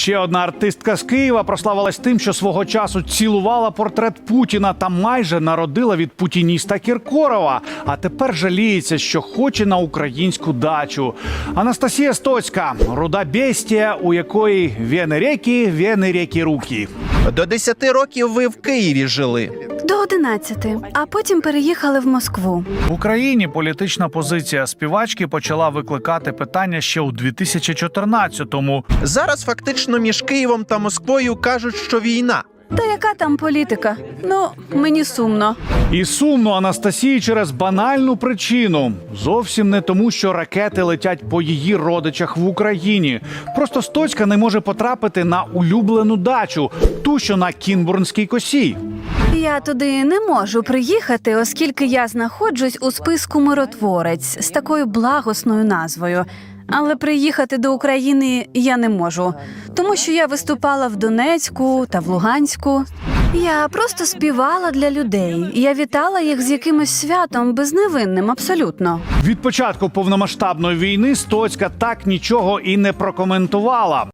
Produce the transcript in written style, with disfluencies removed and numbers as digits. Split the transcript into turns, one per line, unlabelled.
Ще одна артистка з Києва прославилась тим, що свого часу цілувала портрет Путіна та майже народила від путініста Кіркорова. А тепер жаліється, що хоче на українську дачу. Анастасія Стоцька – руда бестія, у якої вени реки руки.
До 10 років ви в Києві жили.
До 11, а потім переїхали в Москву.
В Україні політична позиція співачки почала викликати питання ще у 2014-му.
Зараз фактично між Києвом та Москвою кажуть, що війна.
Та яка там політика? Ну, мені сумно.
І сумно Анастасії через банальну причину. Зовсім не тому, що ракети летять по її родичах в Україні. Просто Стоцька не може потрапити на улюблену дачу, ту, що на Кінбурнській косі.
Я туди не можу приїхати, оскільки я знаходжусь у списку «Миротворець» з такою благосною назвою. Але приїхати до України я не можу, тому що я виступала в Донецьку та в Луганську. Я просто співала для людей. Я вітала їх з якимось святом безневинним абсолютно.
Від початку повномасштабної війни Стоцька так нічого і не прокоментувала.